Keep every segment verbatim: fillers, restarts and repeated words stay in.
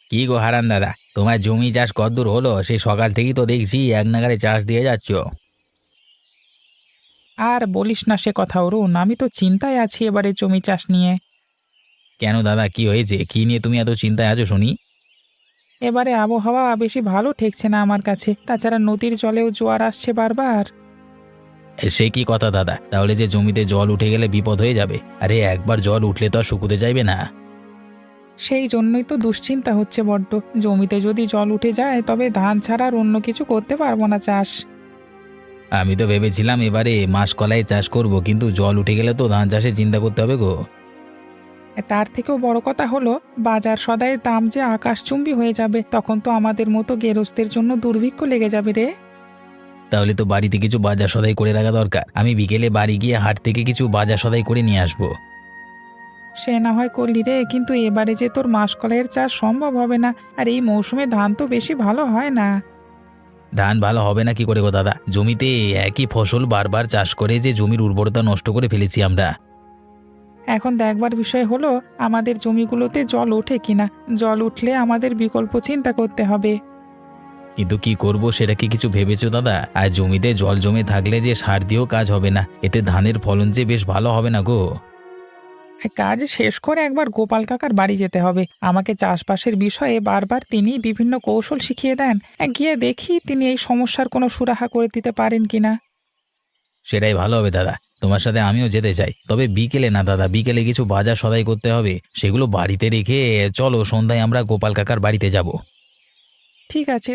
কি গো হারান দাদা, তোমার জমি চাষ কতদূর হলো? সেই সকাল থেকেই তো দেখছি এক নাগাড়ে চাষ দিয়ে যাচ্ছ। আর বলিস না সে কথা অরুণ, আমি তো চিন্তায় আছি এবারে জমি চাষ নিয়ে। কেন দাদা, কি হয়েছে? কি নিয়ে তুমি এত চিন্তায় আছো শুনি? এবারে আবহাওয়া বেশি ভালো ঠেকছে না আমার কাছে, তাছাড়া নদীর জলেও জোয়ার আসছে বারবার। এ, সে কি কথা দাদা? তাহলে যে জমিতে জল উঠে গেলে বিপদ হয়ে যাবে। আরে একবার জল উঠলে তো আর শুকুতে চাইবে না। সেই জন্যই তো দুশ্চিন্তা হচ্ছে বড্ড। জমিতে যদি জল উঠে যায় তবে ধান ছাড়া আর অন্য কিছু করতে পারবো না চাষ। আমি তো ভেবেছিলাম এবারে মাসকলাই চাষ করব, কিন্তু জল উঠে গেলে তো ধান চাষে চিন্তা করতে হবে গো। তার থেকেও বড় কথা হলো, বাজার সদাইয়ের দাম যে আকাশচুম্বী হয়ে যাবে, তখন তো আমাদের মতো গেরস্তের জন্য দুর্ভিক্ষ লেগে যাবে রে। তাহলে তো বাড়িতে কিছু বাজার সদাই করে রাখা দরকার। আমি বিকেলে বাড়ি গিয়ে হাট থেকে কিছু বাজার সদাই করে নিয়ে আসবো। সে না হয় করলি রে, কিন্তু এবারে যে তোর মাসকলাইয়ের চাষ সম্ভব হবে না। আর এই মৌসুমে ধান তো বেশি ভালো হয় না। ধান ভালো হবে না কি করে গো দাদা? জমিতে একই ফসল বারবার চাষ করে যে জমির উর্বরতা নষ্ট করে ফেলেছি আমরা। এখন দেখবার বিষয় হলো আমাদের জমিগুলোতে জল ওঠে কিনা। জল উঠলে আমাদের বিকল্প চিন্তা করতে হবে। কিন্তু কি করব সেটা কি কিছু ভেবেছো দাদা? আর জমিতে জল জমে থাকলে যে সার দিয়েও কাজ হবে না, এতে ধানের ফলন যে বেশ ভালো হবে না গো। কাজ শেষ করে একবার গোপাল কাকার বাড়ি যেতে হবে। আমাকে চাষবাসের বিষয়ে বারবার তিনি বিভিন্ন কৌশল শিখিয়ে দেন। গিয়ে দেখি তিনি এই সমস্যার কোনো সুরাহা করে দিতে পারেন কিনা। সেটাই ভালো হবে দাদা। তোমার সাথে আমিও যেতে চাই, তবে বিকেলে না দাদা। বিকেলে কিছু বাজার সদাই করতে হবে, সেগুলো বাড়িতে রেখে চলো সন্ধ্যায় আমরা গোপাল কাকার বাড়িতে যাব। ঠিক আছে।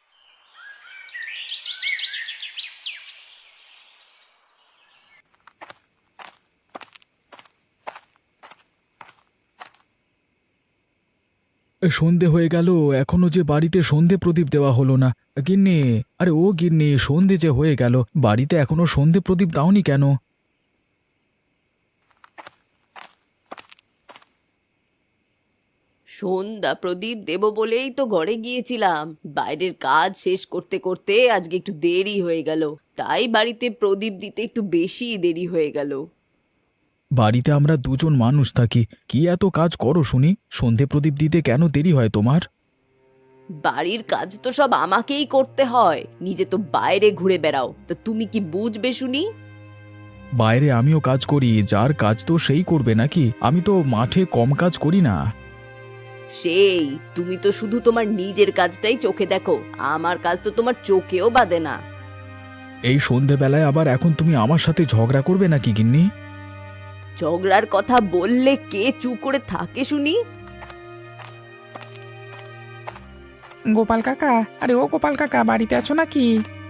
সন্ধে হয়ে গেল, এখনো যে বাড়িতে সন্ধে প্রদীপ দেওয়া হলো না। গিন্নি, আরে ও গিন্নি, সন্ধে যে হয়ে গেল, বাড়িতে এখনো সন্ধে প্রদীপ দাওনি কেন? সন্ধ্যা প্রদীপ দেব বলেই তো ঘরে গিয়েছিলাম। বাইরের কাজ শেষ করতে করতে আজকে একটু দেরি হয়ে গেল, তাই বাড়িতে প্রদীপ দিতে একটু বেশি দেরি হয়ে গেল। বাড়িতে আমরা দুজন মানুষ থাকি, কি এত কাজ করো শুনি? সন্ধে প্রদীপ দিতে কেন দেরি হয় তোমার? বাড়ির কাজ তো সব আমাকেই করতে হয়, নিজে তো বাইরে ঘুরে বেড়াও, তা তুমি কি বুঝবে শুনি? বাইরে আমিও কাজ করি, যার কাজ তো সেই করবে নাকি? আমি তো মাঠে কম কাজ করি না। সেই তুমি তো শুধু তোমার নিজের কাজটাই চোখে দেখো, আমার কাজ তো তোমার চোখেও বাঁধে না। এই সন্ধেবেলায় আবার এখন তুমি আমার সাথে ঝগড়া করবে নাকি গিন্নি? ঝগড়ার কথা বললে কে চুপ করে থাকে শুনি? গোপাল কাকা, আরে ও গোপাল কাকা, বাড়িতে আছো নাকি?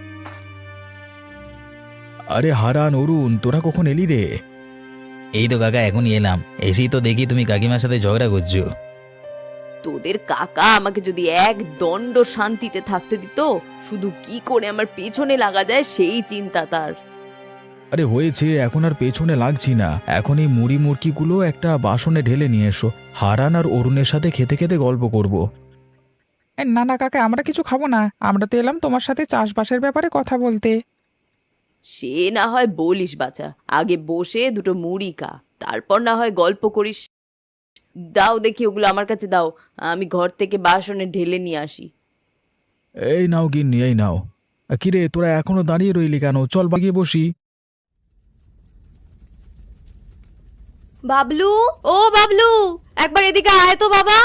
আরে হারান, অরুণ, তোরা কখন এলি রে? এই তো কাকা এখনই এলাম। এসেই তো দেখি তুমি কাকিমার সাথে ঝগড়া করছো। তোদের কাকা আমাকে যদি এক দণ্ড শান্তিতে থাকতে দিত, শুধু কি করে আমার পেছনে লাগা যায় সেই চিন্তা তার। আরে হয়েছে, এখন আর পেছনে লাগছি না। এখন এই মুড়ি মুড়কিগুলো একটা বাসনে ঢেলে নিয়ে এসো। হারান আর অরুণের সাথে খেতে খেতে গল্প করব। এ, না না কাকা, আমরা কিছু খাবো না। আমরা তো এলাম তোমার সাথে চাষবাসের ব্যাপারে কথা বলতে। সে না হয় বলিস বাছা, আগে বসে দুটো মুড়ি খা, তারপর না হয় গল্প করিস। দাও দেখি ওগুলো আমার কাছে দাও, আমি ঘর থেকে বাসনে ঢেলে নিয়ে আসি। এই নাও গিন্নি, এই নাও। আ, কিরে, তোরা এখনো দাঁড়িয়ে রইলি কেন? চল বাগিয়ে বসি। বাবলু, ও বাবলু, একবার এদিকে আয় তো বাবা।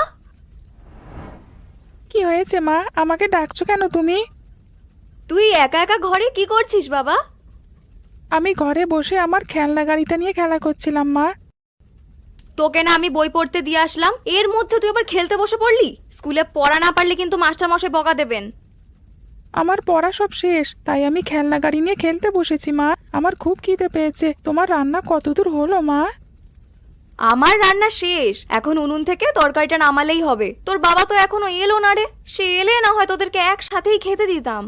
কি হয়েছে মা, আমাকে ডাকছো কেন তুমি? তুই একা একা ঘরে কি করছিস বাবা? আমি ঘরে বসে আমার খেলনা গাড়িটা নিয়ে খেলা করছিলাম মা। তোকে না আমি বই পড়তে দিয়ে আসলাম, এর মধ্যে তুই আবার খেলতে বসে পড়লি? স্কুলে পড়া না পারলে কিন্তু মাস্টার মশাই বকা দেবেন। আমার পড়া সব শেষ, তাই আমি খেলনা গাড়ি নিয়ে খেলতে বসেছি মা। আমার খুব খিদে পেয়েছে। তোমার রান্না কতদূর হলো মা? আমার রান্না শেষ, এখন উনুন থেকে তরকারিটা নামালেই হবে। তোর বাবা তো এখনো এলো না রে, সে এলে না হয় তোদেরকে একসাথেই খেতে দিতাম।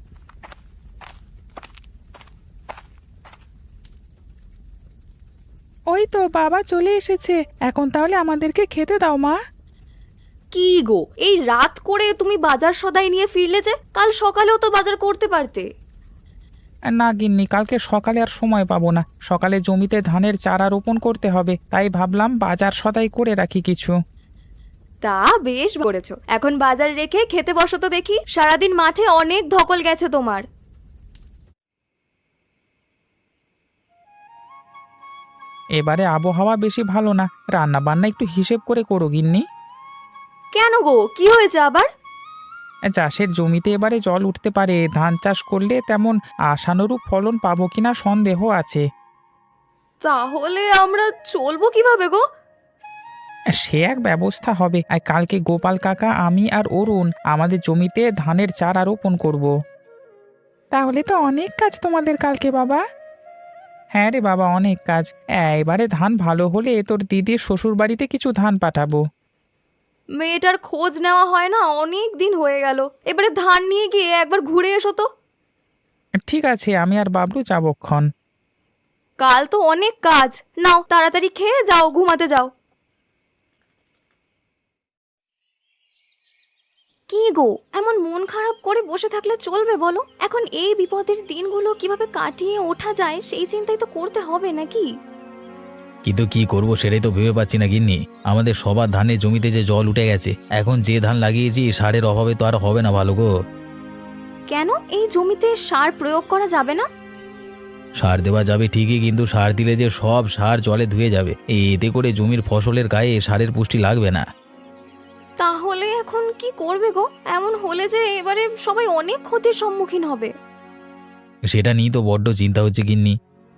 ওই তো বাবা চলে এসেছে। এখন তাহলে আমাদেরকে খেতে দাও মা। কি গো, এই রাত করে তুমি বাজার সদাই নিয়ে ফিরলে যে? কাল সকালেও তো বাজার করতে পারতে। না গিন্নি, কালকে সকালে আর সময় পাবো না। সকালে জমিতে ধানের চারা রোপণ করতে হবে, তাই ভাবলাম বাজার সদাই করে রাখি কিছু। তা বেশ করেছো, এখন বাজার রেখে খেতে বসো তো দেখি। সারাদিন মাঠে অনেক ধকল গেছে তোমার। এবারে আবহাওয়া বেশি ভালো না, রান্না বান্না একটু হিসেব করে করো গিন্নি। কেন গো, কি হয়েছে আবার? চাষের জমিতে এবারে জল উঠতে পারে, ধান চাষ করলে তেমন আশানুরূপ ফলন পাবো কিনা সন্দেহ আছে। তাহলে আমরা চলবো কিভাবে গো? সে এক ব্যবস্থা হবে। আর কালকে গোপাল কাকা, আমি আর অরুণ আমাদের জমিতে ধানের চারা রোপণ করব। তাহলে তো অনেক কাজ তোমাদের কালকে বাবা। হ্যাঁ রে বাবা, অনেক কাজ। এবারে ধান ভালো হলে তোর দিদির শ্বশুর বাড়িতে কিছু ধান পাঠাবো। মেয়েটার খোঁজ নেওয়া হয় না, অনেক দিন হয়ে গেল। এবারে ধান নিয়ে গিয়ে একবার ঘুরে এসো তো। ঠিক আছে, আমি আর বাবলু যাবক্ষণ। কাল তো অনেক কাজ, নাও তাড়াতাড়ি খেয়ে যাও, ঘুমাতে যাও। কি গো, এমন মন খারাপ করে বসে থাকলে চলবে বলো? এখন এই বিপদের দিনগুলো কিভাবে কাটিয়ে ওঠা যায় সেই চিন্তাই তো করতে হবে নাকি? কিন্তু কি করব সেটাই তো ভেবে পাচ্ছি না গিন্নি। আমাদের সবার ধানের জমিতে যে জল উঠে গেছে, এখন যে ধান লাগিয়েছি সারের অভাবে তো আর হবে না ভালো গো। কেন, এই জমিতে সার প্রয়োগ করা যাবে না? সার দেওয়া যাবে ঠিকই, কিন্তু সার দিলে যে সব সার জলে ধুয়ে যাবে, এতে করে জমির ফসলের গায়ে সারের পুষ্টি লাগবে না। তাহলে এখন কি করবে গো? এমন হলে যে এবারে সবাই অনেক ক্ষতির সম্মুখীন হবে। সেটা নিয়ে তো বড্ড চিন্তা হচ্ছে গিন্নি।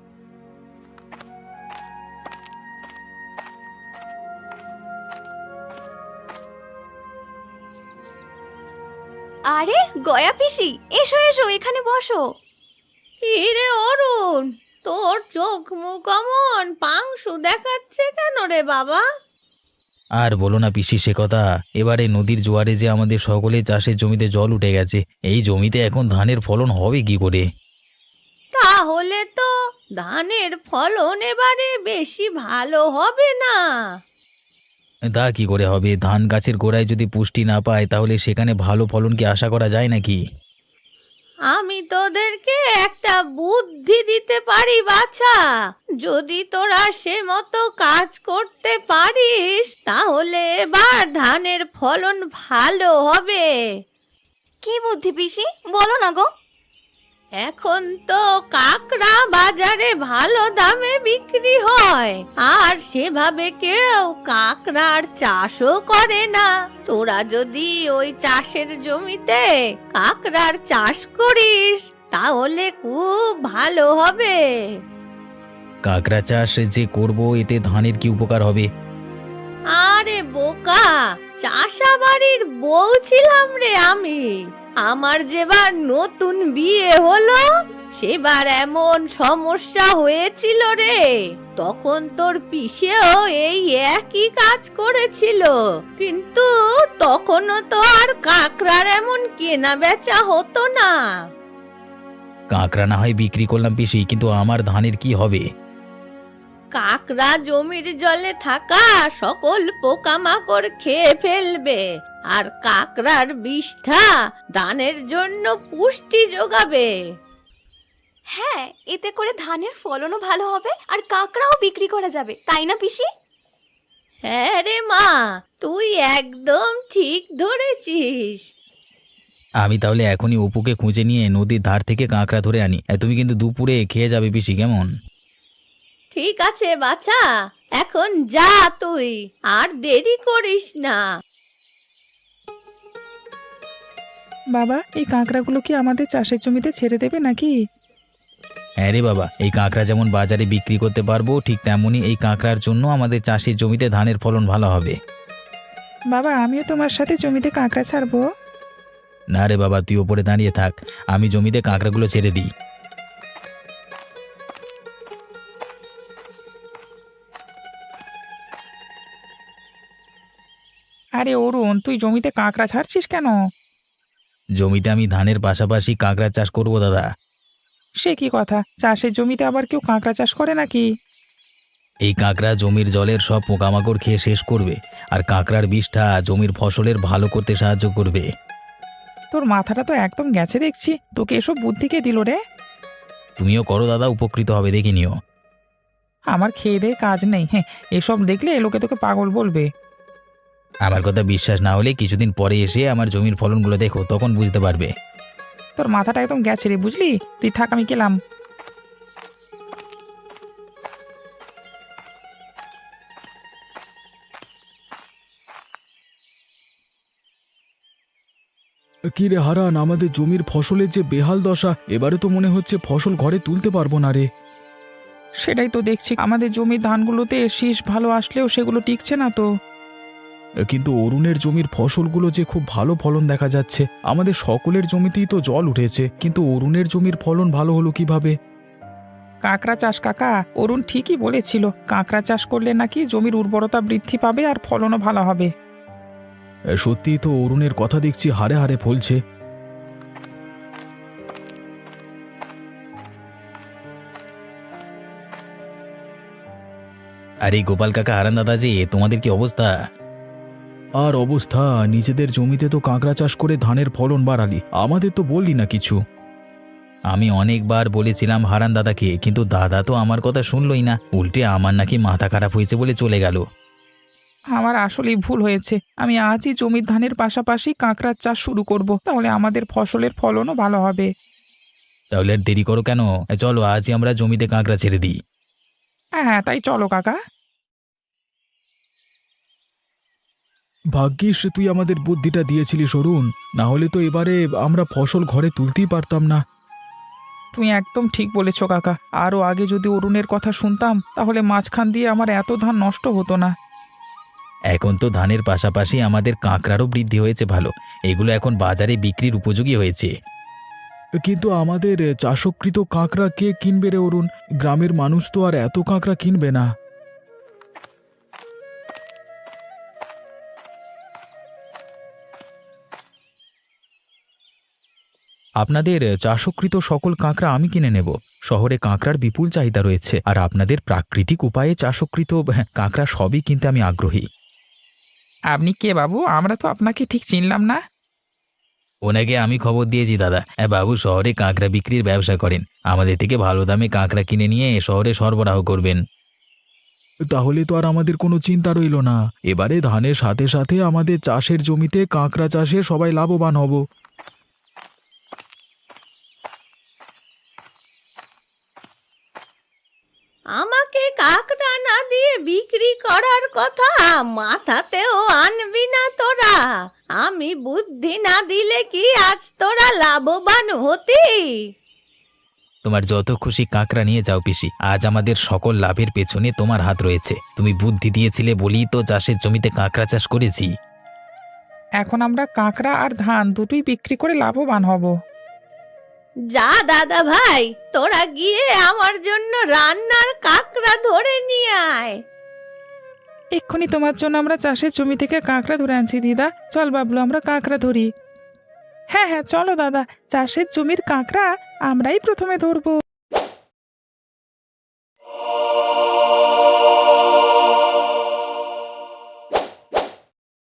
আরে গয়া পিসি, এসো এসো, এখানে বসো। রে অরুণ, তোর চোখ মুখ অমন পাংশু দেখাচ্ছে কেন রে বাবা? আর বলো না পিসি সে কথা। এবারে নদীর জোয়ারে যে আমাদের সকলে চাষের জমিতে জল উঠে গেছে, এই জমিতে এখন ধানের ফলন হবে কি করে? তাহলে তো ধানের ফলন এবারে বেশি ভালো হবে না। তা কি করে হবে? ধান গাছের গোড়ায় যদি পুষ্টি না পায় তাহলে সেখানে ভালো ফলন কি আশা করা যায় নাকি? আমি তোদেরকে একটা বুদ্ধি দিতে পারি বাছা। যদি তোরা সে মতো কাজ করতে পারিস তাহলে এবার ধানের ফলন ভালো হবে। কি বুদ্ধি পিসি, বলো না গো। এখন তো কাকড়া বাজারে ভালো দামে বিক্রি হয়, আর সেভাবে কেউ কাকড়ার চাষও করে না। তোরা যদি ওই চাষের জমিতে কাকড়ার চাষ করিস তাহলে খুব ভালো হবে। কাঁকড়া চাষ যে করব, এতে ধানের কি উপকার হবে? আরে বোকা, চাষাবাড়ির বউ ছিলাম রে আমি। আমার যেবার নতুন বিয়ে হলো সেবার এমন সমস্যা হয়েছিল রে, তখন তোর পিসেও এই একই কাজ করেছিল, কিন্তু তখনও তো আর কাকড়ার এমন কেনা বেচা হতো না। কাঁকড়া না হয় বিক্রি করলাম পিসি, কিন্তু আমার ধানের কি হবে? কাকড়া জমির জলে থাকা সকল পোকামাকড় খেয়ে ফেলবে, আর কাকড়ার বিষ্ঠা ধানের জন্য পুষ্টি যোগাবে। হ্যাঁ, এতে করে ধানের ফলনও ভালো হবে আর কাকড়াও বিক্রি করা যাবে, তাই না পিসি? হ্যাঁ রে মা, তুই একদম ঠিক ধরেছিস। আমি তাহলে এখনই অপুকে খুঁজে নিয়ে নদীর ধার থেকে কাঁকড়া ধরে আনি। এ, তুমি কিন্তু দুপুরে খেয়ে যাবে পিসি, কেমন? ঠিক আছে বাছা, এখন যা তুই, আর দেরি করিস না। বাবা, এই কাঁকড়াগুলো কি আমাদের চাষের জমিতে ছেড়ে দেবে নাকি? হ্যাঁ রে বাবা, এই কাঁকড়া যেমন বাজারে বিক্রি করতে পারবো, ঠিক তেমনই এই কাঁকড়ার জন্য আমাদের চাষের জমিতে ধানের ফলন ভালো হবে। বাবা, আমিও তোমার সাথে জমিতে কাঁকড়া ছাড়বো। না রে বাবা, তুই ওপরে দাঁড়িয়ে থাক, আমি জমিতে কাঁকড়াগুলো ছেড়ে দিই। আরে অরুণ, তুই জমিতে কাঁকড়া ছাড়ছিস কেন? জমিতে আমি ধানের পাশাপাশি কাঁকড়া চাষ করব দাদা। সে কি কথা, চাষের জমিতে আবার কেউ কাঁকড়া চাষ করে নাকি? এই কাঁকড়া জমির জলের সব পোকামাকড় খেয়ে শেষ করবে, আর কাঁকড়ার বিষটা জমির ফসলের ভালো করতে সাহায্য করবে। তোর মাথাটা তো একদম গেছে দেখছি, তোকে এসব বুদ্ধি কে দিল রে? তুমিও করো দাদা, উপকৃত হবে দেখে নিও। আমার খেয়ে দেয়ে কাজ নেই, হ্যাঁ, এসব দেখলে লোকে তোকে পাগল বলবে। আমার কথা বিশ্বাস না হলে কিছুদিন পরে এসে আমার জমির ফলনগুলো দেখো, তখন বুঝতে পারবে। তোর মাথাটা একদম গেছে রে, বুঝলি? তুই থাক, আমি গেলাম। কি রে হারান, আমাদের জমির ফসলের যে বেহাল দশা, এবারে তো মনে হচ্ছে ফসল ঘরে তুলতে পারবো না রে। সেটাই তো দেখছি, আমাদের জমির ধানগুলোতে শীষ ভালো আসলেও সেগুলো টিকছে না তো। কিন্তু অরুণের জমির ফসলগুলো যে খুব ভালো ফলন দেখা যাচ্ছে। আমাদের সকলের জমিতেই তো জল উঠেছে, কিন্তু অরুণের জমির ফলন ভালো হলো কিভাবে? কাঁকড়া চাষ কাকা, অরুণ ঠিকই বলেছিল, কাঁকড়া চাষ করলে নাকি জমির উর্বরতা বৃদ্ধি পাবে আর ফলনও ভালো হবে। সত্যিই তো অরুণের কথা দেখছি হারে হারে ফলছে। আর এই গোপাল কাকা, হারান দাদা, যে তোমাদের কি অবস্থা? আর অবস্থা, নিজেদের জমিতে তো কাঁকড়া চাষ করে ধানের ফলন বাড়ালি, আমাদের তো বললি না কিছু। আমি অনেকবার বলেছিলাম হারান দাদাকে, কিন্তু দাদা তো আমার কথা শুনলই না, উল্টে আমার নাকি মাথা খারাপ হয়েছে বলে চলে গেল। আমার আসলেই ভুল হয়েছে, আমি আজই জমির ধানের পাশাপাশি কাঁকড়ার চাষ শুরু করব, তাহলে আমাদের ফসলের ফলনও ভালো হবে। তাহলে আর দেরি করো কেন? চলো আজই আমরা জমিতে কাঁকড়া ছেড়ে দিই। হ্যাঁ হ্যাঁ, তাই চলো কাকা। ভাগ্যিস তুই আমাদের বুদ্ধিটা দিয়েছিলিস অরুণ, না হলে তো এবারে আমরা ফসল ঘরে তুলতেই পারতাম না। তুমি একদম ঠিক বলেছো কাকা, আরও আগে যদি অরুণের কথা শুনতাম তাহলে মাঝখান দিয়ে আমার এত ধান নষ্ট হতো না। এখন তো ধানের পাশাপাশি আমাদের কাঁকড়ারও বৃদ্ধি হয়েছে ভালো, এগুলো এখন বাজারে বিক্রির উপযোগী হয়েছে। কিন্তু আমাদের চাষকৃত কাঁকড়া কে কিনবে রে অরুণ? গ্রামের মানুষ তো আর এত কাঁকড়া কিনবে না। আপনাদের চাষকৃত সকল কাঁকড়া আমি কিনে নেব। শহরে কাঁকড়ার বিপুল চাহিদা রয়েছে, আর আপনাদের প্রাকৃতিক উপায়ে চাষকৃত কাঁকড়া সবই কিনতে আমি আগ্রহী। আপনি কে বাবু? আমরা তো আপনাকে ঠিক চিনলাম না। ওনাকে আমি খবর দিয়েছি দাদা, হ্যাঁ, বাবু শহরে কাঁকড়া বিক্রির ব্যবসা করেন, আমাদের থেকে ভালো দামে কাঁকড়া কিনে নিয়ে শহরে সরবরাহ করবেন। তাহলে তো আর আমাদের কোনো চিন্তা রইল না, এবারে ধানের সাথে সাথে আমাদের চাষের জমিতে কাঁকড়া চাষে সবাই লাভবান হব। আমাকে কাকড়া না দিয়ে বিক্রি করার কথা মাথাতেও আনবি না তোরা। আমি বুদ্ধি না দিলে কি আজ তোরা লাভবান হতি? তোমার যত খুশি কাঁকড়া নিয়ে যাও পিসি, আজ আমাদের সকল লাভের পেছনে তোমার হাত রয়েছে। তুমি বুদ্ধি দিয়েছিলে বলেই তো চাষের জমিতে কাঁকড়া চাষ করেছি। এখন আমরা কাঁকড়া আর ধান দুটোই বিক্রি করে লাভবান হব। যা দাদা ভাই, তোরা গিয়ে আমার জন্য রান্নার কাকড়া ধরে নিয়ে আয়। এক্ষুনি তোমার জন্য আমরা চাষের জমি থেকে কাঁকড়া ধরে আনছি দিদা। চল বাবলু, আমরা কাঁকড়া ধরি। হ্যাঁ হ্যাঁ, চলো দাদা, চাষের জমির কাঁকড়া আমরাই প্রথমে ধরবো।